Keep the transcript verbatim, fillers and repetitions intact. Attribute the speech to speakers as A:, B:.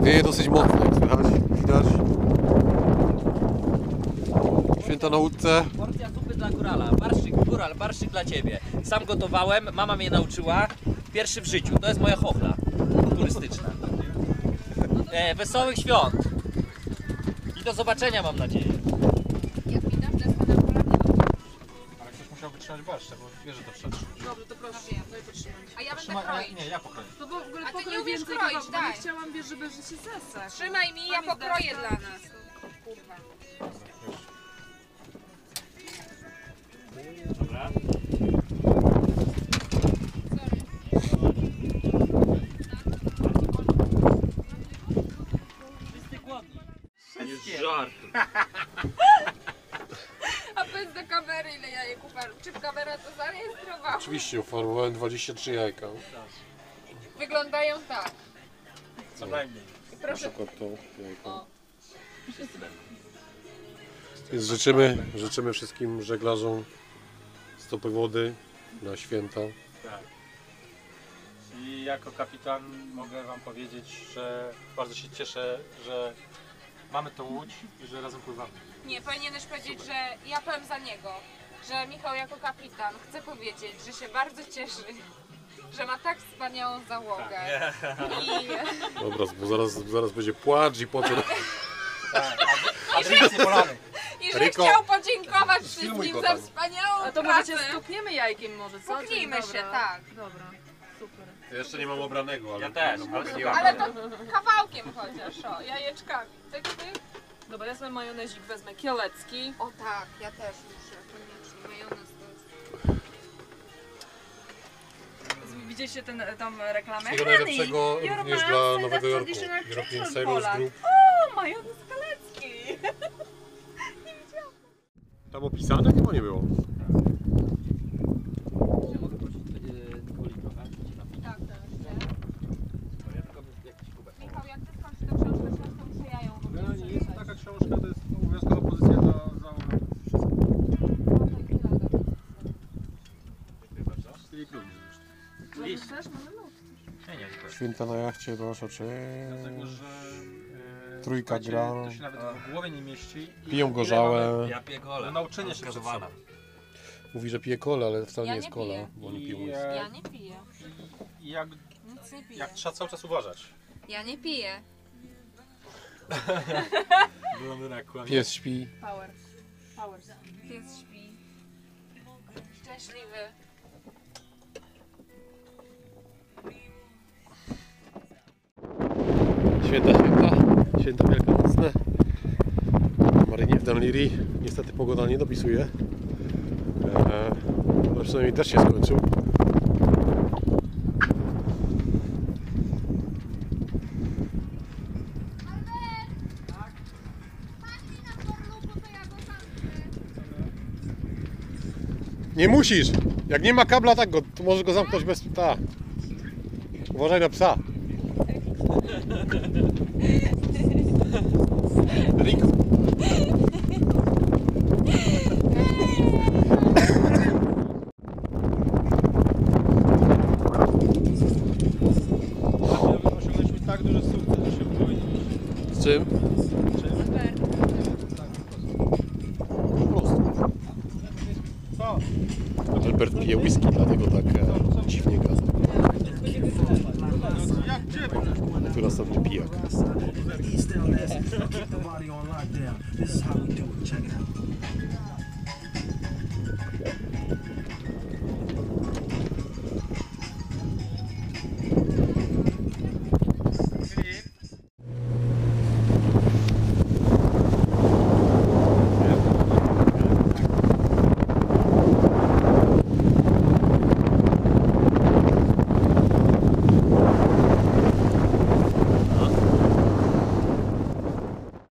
A: Wieje dosyć mocno, jak słychać, widać. Święta na łódce.
B: Porcja zupy dla górala, barszyk, góral, barszyk dla ciebie. Sam gotowałem, mama mnie nauczyła. Pierwszy w życiu, to jest moja chochla turystyczna. E, wesołych świąt. I do zobaczenia, mam nadzieję.
C: Jak mi dam deskę na kolanie,
D: Ale ktoś musiał wytrzymać barszcze, bo wiesz, że to przetrzyma.
E: Dobrze, to proszę, daj potrzymać.
C: a ja będę
D: Trzyma,
C: kroić.
D: nie, ja pokroję.
E: To w ogóle
C: A ty
E: pokrój
C: nie umiesz
E: więcej
C: kroić,
E: kawałków, bo
C: daj.
E: nie chciałam, wiesz, żeby że się zesek.
C: Trzymaj mi, ja
E: Tam jest
C: pokroję
E: deska.
C: dla nas. Kurwa.
D: Dobra.
B: Wszyscy głodni.
D: Żart.
C: A powiedz do kamery, ile jajek uparł. Czy kamera to zarejestrowała?
A: Oczywiście ufarmowałem dwadzieścia trzy jajka.
C: Wyglądają tak.
D: Co najmniej.
A: Na
C: Proszę.
A: przykład to jajko.
C: O.
A: Więc życzymy, życzymy wszystkim żeglarzom stopy wody na święta.
D: Tak. I jako kapitan mogę wam powiedzieć, że bardzo się cieszę, że mamy tą łódź i że razem pływamy.
C: Nie, powinieneś powiedzieć, że ja powiem za niego. Że Michał jako kapitan chce powiedzieć, że się bardzo cieszy, że ma tak wspaniałą załogę. I,
A: Dobra, bo zaraz, zaraz będzie płacz i potem...
D: Tak, a drinks nie polany.
C: i że
A: Riko,
C: chciał podziękować
A: sfilmuj
C: wszystkim
A: go
C: za
A: tam.
C: wspaniałą
E: A to
C: pracę.
E: może cię stukniemy jajkiem może, co?
C: Puknijmy
E: Dzień
C: się,
E: dobra.
C: tak.
E: Dobra, super.
A: Ja jeszcze nie mam obranego, ale...
D: Ja też, ale nie mam.
C: Ale to kawałkiem chociaż, o, jajeczkami. Tyk, tyk.
E: Dobra, ja sobie majonezik wezmę kielecki.
C: O tak, ja też muszę, koniecznie. Majonez to jest...
E: Widzieliście ten, tam reklamę?
A: Wszystkiego najlepszego
E: Honey,
A: również
E: your
A: dla
E: mom
A: Nowego
E: said
A: Jorku.
E: that's traditional
A: European
E: Czech
A: Sailors
E: Poland.
A: Group.
E: O, majonez kalecki!
A: Tam opisane? Chyba nie było.
B: Ja mogę prosić woli trochę?
C: Tak, tak.
B: Ja tylko jakiś kubek.
C: Michał, jak ty skończysz tę książkę, książkę muszę ja ją w ogóle
D: No, nie jest to
C: przeczytać.
D: taka książka, to jest obowiązkowa pozycja dla załogi.
C: No to i tyle.
D: Czyli lubisz zresztą.
E: Wiesz, też mamy lód.
D: Nie, nie, dziękuję.
A: Święta na jachcie, proszę cię.
D: Dlatego, że e,
A: Trójka
D: słuchajcie,
A: gra.
D: to się nawet w głowie nie mieści. I
A: Piją
D: ile
A: gorzałe.
B: Ja piję golę.
D: Do nauczenia się
B: Gazowana.
A: Mówi, że pije kolę, ale wcale
C: Ja
A: nie jest
C: nie
A: kola,
C: piję.
A: bo oni
D: I,
A: piją.
D: e,
C: Ja nie piję.
D: I jak,
C: Nic nie piję.
D: jak trzeba cały czas uważać.
C: Ja nie piję.
D: Blondyna kłamie.
A: Pies śpi.
E: Power. Power.
C: Pies śpi. Szczęśliwy.
A: Święta, święta. Święta wielkanocne. Na marynie w Dunleary. Niestety pogoda nie dopisuje. Eee, ale przynajmniej deszcz się skończył. Nie musisz! Jak nie ma kabla, tak go, to możesz go zamknąć bez psa. Uważaj na psa. Rico.
D: Osiągnęliśmy tak duży sukces, że się powinniśmy.
A: Z czym? Po prostu.
D: Co?
A: Albert pije whisky, dlatego tak e, dziwnie gada.
D: Jak gdzie?
A: Tu następny pijak.
F: He's still nasty. Keep the body on lockdown. This is how we do it. Check it out.